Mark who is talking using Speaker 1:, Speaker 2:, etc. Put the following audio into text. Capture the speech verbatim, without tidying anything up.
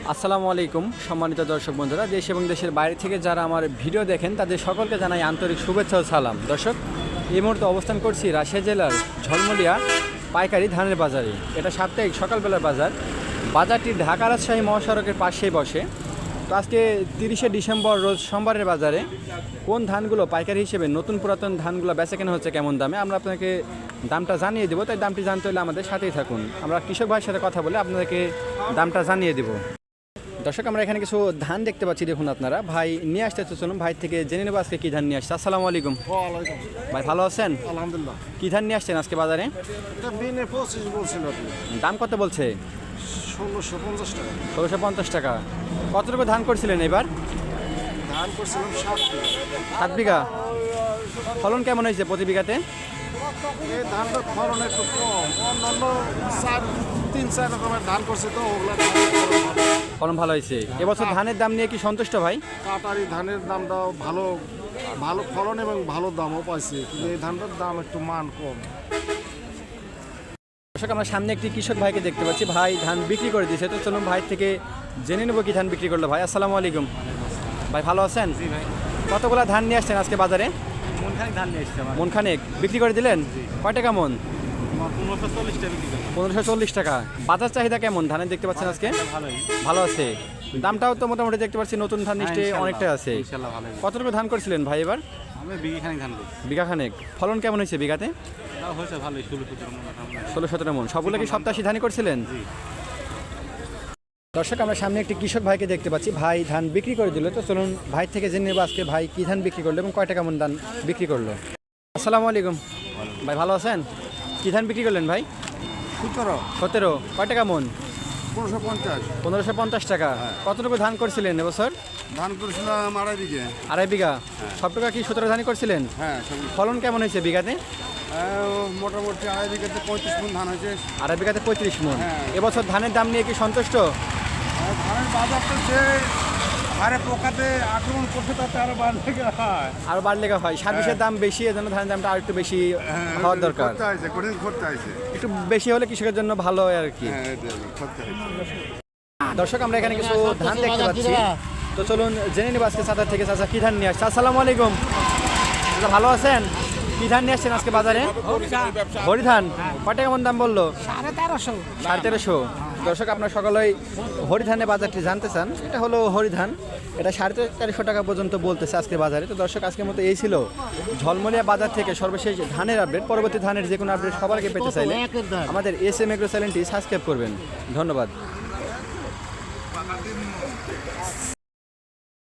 Speaker 1: আসসালামু আলাইকুম সম্মানিত দর্শক বন্ধুরা, দেশ এবং দেশের বাইরে থেকে যারা আমার ভিডিও দেখেন তাদের সকলকে জানাই আন্তরিক শুভেচ্ছা ও সালাম। দর্শক, এই মুহূর্তে অবস্থান করছি রাজশাহী জেলার ঝলমলিয়া পাইকারি ধানের বাজারে। এটা সাপ্তাহিক সকালবেলার বাজার। বাজারটি ঢাকা রাজশাহী মহাসড়কের পাশেই বসে। তো আজকে তিরিশে ডিসেম্বর রোজ সোমবারের বাজারে কোন ধানগুলো পাইকারি হিসেবে নতুন পুরাতন ধানগুলো বেচা কেনা হচ্ছে কেমন দামে আমরা আপনাকে দামটা জানিয়ে দেবো। তাই দামটি জানতে হলে আমাদের সাথেই থাকুন। আমরা কৃষক ভাইয়ের সাথে কথা বলে আপনাদেরকে দামটা জানিয়ে দেবো। দর্শক, আমরা এখানে কিছু ধান দেখতে পাচ্ছি, দেখুন আপনারা। ভাই নিয়ে আসতে চলুন, ভাই থেকে জেনে নেবো আজকে কী ধান নিয়ে আসছে। আসসালামু আলাইকুম। ভাই ভালো আছেন?
Speaker 2: আলহামদুলিল্লাহ।
Speaker 1: কী ধান নিয়ে আসছেন আজকে বাজারে?
Speaker 2: এটা বিনে পঁচিশ বলছিল
Speaker 1: দাম কত বলছে?
Speaker 2: ষোলোশো পঞ্চাশ টাকা।
Speaker 1: ষোলোশো পঞ্চাশ টাকা। কতটুকু ধান করছিলেন এবার?
Speaker 2: ধান করছিলাম সাত বিঘা।
Speaker 1: সাত বিঘা। ফলন কেমন হয়েছে প্রতি বিঘাতে?
Speaker 2: এই ধানটা ফলন একটু কম, অন্যান্য চার তিন চার রকমের ধান করছে তো ওগুলা
Speaker 1: ফলন ভালো হয়েছে। এবছর ধানের দাম নিয়ে কি সন্তুষ্ট ভাই?
Speaker 2: কাটারি ধানের দামটাও ভালো, ভালো ফলন এবং ভালো দামও পাইছে, কিন্তু এই ধানটার দাম একটু মান কম।
Speaker 1: দর্শক, আমরা সামনে একটি কৃষক ভাইকে দেখতে পাচ্ছি, ভাই ধান বিক্রি করে দিয়েছে। তো চলুন ভাই থেকে জেনে নেবো কি ধান বিক্রি করলো। ভাই আসসালামু আলাইকুম। ভাই ভালো আছেন?
Speaker 3: জি ভাই।
Speaker 1: কতগুলো ধান নিয়ে আসছেন আজকে বাজারে?
Speaker 3: মনখানেক ধান নিয়ে এসছে আমার।
Speaker 1: মন খানেক বিক্রি করে দিলেন? কয় টাকা মন?
Speaker 3: পনেরোশো চল্লিশ টাকা বিক্রি করলাম।
Speaker 1: পনেরোশো চল্লিশ টাকা। বাজার চাহিদা কেমন ধানের দেখতে পাচ্ছেন আজকে?
Speaker 3: ভালোই।
Speaker 1: ভালো আছে। দামটাও তো মোটামুটি দেখতে পাচ্ছি নতুন ধান নিশ্চয়ই
Speaker 3: ইনশাল্লাহ,
Speaker 1: অনেকটা আছে।
Speaker 3: ইনশাল্লাহ ভালোই।
Speaker 1: কতটুকু ধান করছিলেন ভাই এবার?
Speaker 3: আমি বিঘি খানিক ধান করছি।
Speaker 1: বিঘা খানেক। ফলন কেমন হয়েছে বিঘাতে?
Speaker 3: তাও হয়েছে ভালোই, ষোলো সতেরো মন আলহামদুলিল্লাহ।
Speaker 1: ষোলো সতেরো মন। সবগুলো কি সপ্তাশি ধানই করছিলেন?
Speaker 3: জি।
Speaker 1: দর্শক, আমরা সামনে একটি কৃষক ভাইকে দেখতে পাচ্ছি, ভাই ধান বিক্রি করে দিল। তো চলুন ভাই থেকে জেনে নেবো আজকে ভাই কী ধান বিক্রি করলো এবং কয় টাকা মন ধান বিক্রি করলো। আসসালামু আলাইকুম। ভাই ভালো আছেন? কী ধান বিক্রি করলেন ভাই?
Speaker 2: সতেরো
Speaker 1: সতেরো। কয় টাকা মন?
Speaker 2: পনেরোশো পঞ্চাশ।
Speaker 1: পনেরোশো পঞ্চাশ টাকা। কতটুকু ধান করছিলেন এবছর?
Speaker 2: ধান করেছিলাম আড়াই বিঘে।
Speaker 1: আড়াই বিঘা। সব টাকা কি সতেরো ধানই করছিলেন?
Speaker 2: হ্যাঁ,
Speaker 1: ফলন কেমন হয়েছে বিঘাতে?
Speaker 2: মোটামুটি আড়াই বিঘাতে পঁয়ত্রিশ মন ধান হয়েছে।
Speaker 1: আড়াই বিঘাতে পঁয়ত্রিশ মন।
Speaker 2: হ্যাঁ।
Speaker 1: এবছর ধানের দাম নিয়ে কি সন্তুষ্ট?
Speaker 2: ধানের বাজারটা যে হারে পোকাতে আক্রমণ করছে তাতে আরো বাড়লে হয়।
Speaker 1: আরো বাড়লে হয়। সার্ভিসের দাম বেশি, এজন্য ধানের দামটা আর একটু বেশি হওয়ার দরকার।
Speaker 2: করতে হয়েছে, কঠিন করতে হয়েছে।
Speaker 1: একটু বেশি হলে কৃষকের জন্য ভালো হয় আর কি।
Speaker 2: হ্যাঁ, এটা করতে হয়েছে।
Speaker 1: দর্শক, আমরা এখানে কিছু ধান দেখতে পাচ্ছি। তো চলুন জেনে নেব আজকে চাচা থেকে চাচা কি ধান নিয়ে আসছে। আসসালামু আলাইকুম। চাচা ভালো আছেন? কি ধান নিয়ে আসছেন আজকে বাজারে? হরি ধান। কয় টাকা মন দাম বললো?
Speaker 4: সাড়ে তেরোশো।
Speaker 1: সাড়ে তেরোশো। দর্শক, আপনার সকলেই হরি ধানের বাজারটি জানতে চান। এটা হলো হরি ধান। এটা সাড়ে তেরোশো টাকা পর্যন্ত বলতেছে আজকে বাজারে। তো দর্শক, আজকের মতো এই ছিল ঝলমলিয়া বাজার থেকে সর্বশেষ ধানের আপডেট। পরবর্তী ধানের যে কোনো আপডেট সবার আগে পেতে চাইলে আমাদের এস এম এগ্রো চ্যানেলটি সাবস্ক্রাইব করবেন। ধন্যবাদ।